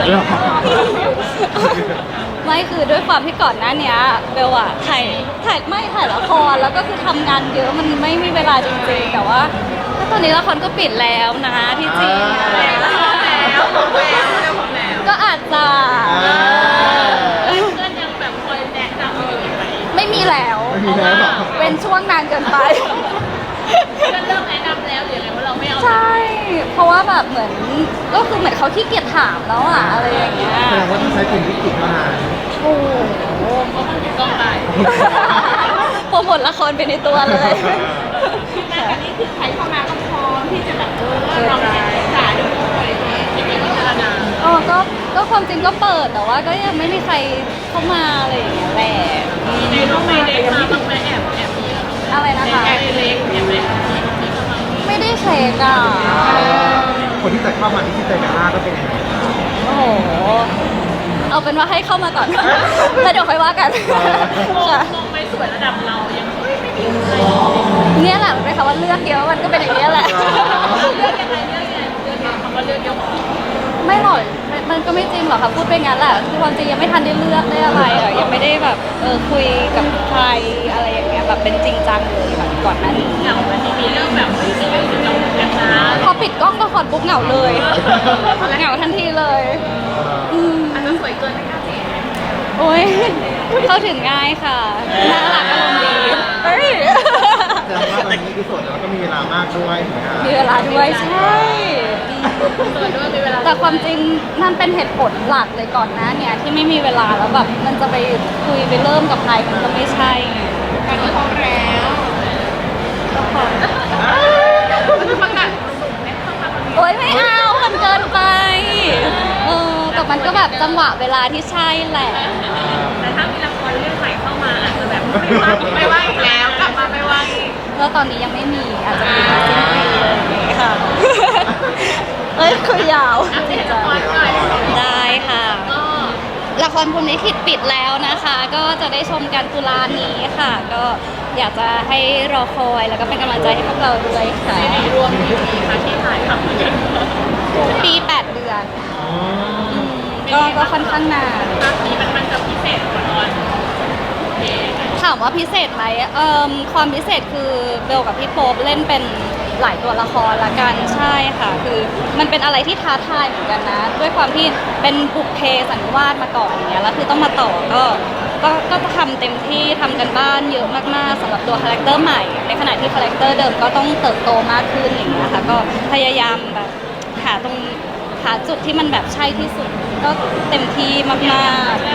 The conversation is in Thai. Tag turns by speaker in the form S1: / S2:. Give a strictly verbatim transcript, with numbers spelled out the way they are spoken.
S1: หรอ
S2: ไม่คือด้วยความที่ก่อนหน้าเนี้ยเบลอะถ่ายถ่ายไม่ถ่ายละครแล้วก็คือทำงานเยอะมันไม่มีเวลาจริงๆแต่ว่าถ้าตอนนี้ละครก็ปิดแล้วนะที่จริง
S1: แล้วแล้วแล้วแล้ว
S2: ก็อาจจะ
S1: เพื่อนยังแบบคอยแนะนำอยู่ไหม
S2: ไม่มีแล้ว
S3: ไม่มีแล้วหรอ
S2: เป็นช่วงนานเกินไป
S1: เพื่อนเริ่มแนะนำแล้วหรือยังไงว่าเราไม่เอา
S2: ใช่ เพราะว่าแบบเหมือนก็คือเหมือนเขาขี้เกียจถามแล้วอะอะไรอย่างเงี้ย
S3: แสดงว่าต้องใช้กลุ่มวิกฤตเท่านั้น
S2: โอ้โห
S1: เพราะมันมีกล้องได้
S2: โปรโมทละครไปในตัวเลย
S1: คือการนี้คือใครเข้ามาก็พร้อมที่จะแบบเออลองศึกษาดูอะไรอย่างเงี้ยยังไงพิจารณา
S2: อ๋อก็ก็ความจริงก็เปิดแต่ว่าก็ยังไม่มีใครเข้ามาอะไรอย่างเงี้ยแหละ
S1: ในน้องไม่เล็กมาบ้างไหมแอบแอบมี
S2: อะไรนะคะ
S1: แอบเล็กแอบเล็ก
S2: ไม่ได้เช็คอ่ะ
S3: คนที่จะเข้ามาที่ที่เจอกันหน้าก็เป็นยังไง
S2: โอ้โห เอาเป็นว่าให้เข้ามาก่อน แล้วเดี๋ยวค่อยว่ากันค่ะ
S1: มองไปสวยระดับเรายังไม่ไม่มีใคร
S2: เนี่ยแหละมันเป็นคำว่าเลือกเยอะมันก็เป็นอย่างนี้ยแหละ
S1: เลือกยังไงเลือกยังไงเลือกยังคำว่าเลือกเยอะกว่า
S2: ไม่หรอกมันมันก็ไม่จริงหรอกค่ะพูดไปงั้นแหละคือความจริงยังไม่ทันได้เลือกได้อะไรอ่ะยังไม่ได้แบบเออคุยกับใครอะไรอย่างเงี้ยแบบเป็นจริงจังเลยแบบก่อนหน้านี้
S1: เหงามันมีเรื่องแบบไม่ใช่เรื่องเรากันนะ
S2: พอปิดกล้องก็ขอดปุ๊บเหงาเลยเหงาทันทีเลยอืม
S1: อาจจะสวยเกินไม่กล้าเสีย
S2: โอ้ยเข้าถึงง่ายค่ะน่ารักอารมณ์ดีเฮ้ย
S3: แสดงว่าตอนนี้คือโสดแล้วก็มีเวลามากด้วยถึงงาน
S2: มีเวลาด้วยใช่
S1: สวยด้วยมีเวลา
S2: แต่ความจริงนั่นเป็นเหตุผลหลักเลยก่อนหน้าเนี่ยที่ไม่มีเวลาแล้วแบบมันจะไปคุยไปเริ่มกับใครมันก็ไม่ใช่ไง
S1: การที่พร้อมแล้ว
S2: ก็พอ
S1: มันจะประกาศหนุ่มๆเนี่ยเข้ามา
S2: โอ๊ยไม่เอามันเกินไปเออแต่มันก็แบบจังหวะเวลาที่ใช่แหละ
S1: แต่ถ้ามีละครเรื่องใหม่เข้ามาอาจจะแบบไม่ว่างไม่ว่างอีกแล้วกลับมาไม่ว่างอีก
S2: แล้วตอนนี้ยังไม่มีอาจจะมีมาสิ้นปีอะไรอย่างเงี้ยค่ะ เอ้ยคือยาว
S1: อัปเดตละครหน่อย
S2: ได้ค่ะ
S1: ก็
S2: ละครพรหมลิขิตปิดแล้วนะคะ ก็จะได้ชมกันตุลานี้ค่ะ ก็อยากจะให้รอคอยแล้วก็เป็นกำลังใจให้พวกเราด้วยค่ะ
S1: ซีรีส์รวมกี่ปีคะที่ถ่ายทำกัน
S2: ปีแปดเดือนมก็ก็ค่อนข้างนาน
S1: ภาคนี้มันมันจะพิเศษกว่าตอนโอเค
S2: ถามว่าพิเศษไหมเอ่มความพิเศษคือเบลกับพี่โป๊ปเล่นเป็นหลายตัวละครละกันใช่ค่ะ คือมันเป็นอะไรที่ท้าทายเหมือนกันนะ ด้วยความที่เป็นบุพเพสันนิวาสมาก่อนอย่างเงี้ยแล้วคือต้องมาต่อก็ก็ก็ทำเต็มที่ทำกันบ้านเยอะมากๆสำหรับตัวคาแรคเตอร์ใหม่ ในขณะที่คาแรคเตอร์เดิมก็ต้องเติบโตมากขึ้นอย่างเงี้ยค่ะก็พยายามแบบหาตรงหาจุดที่มันแบบใช่ที่สุดก็เต็มที่มากๆ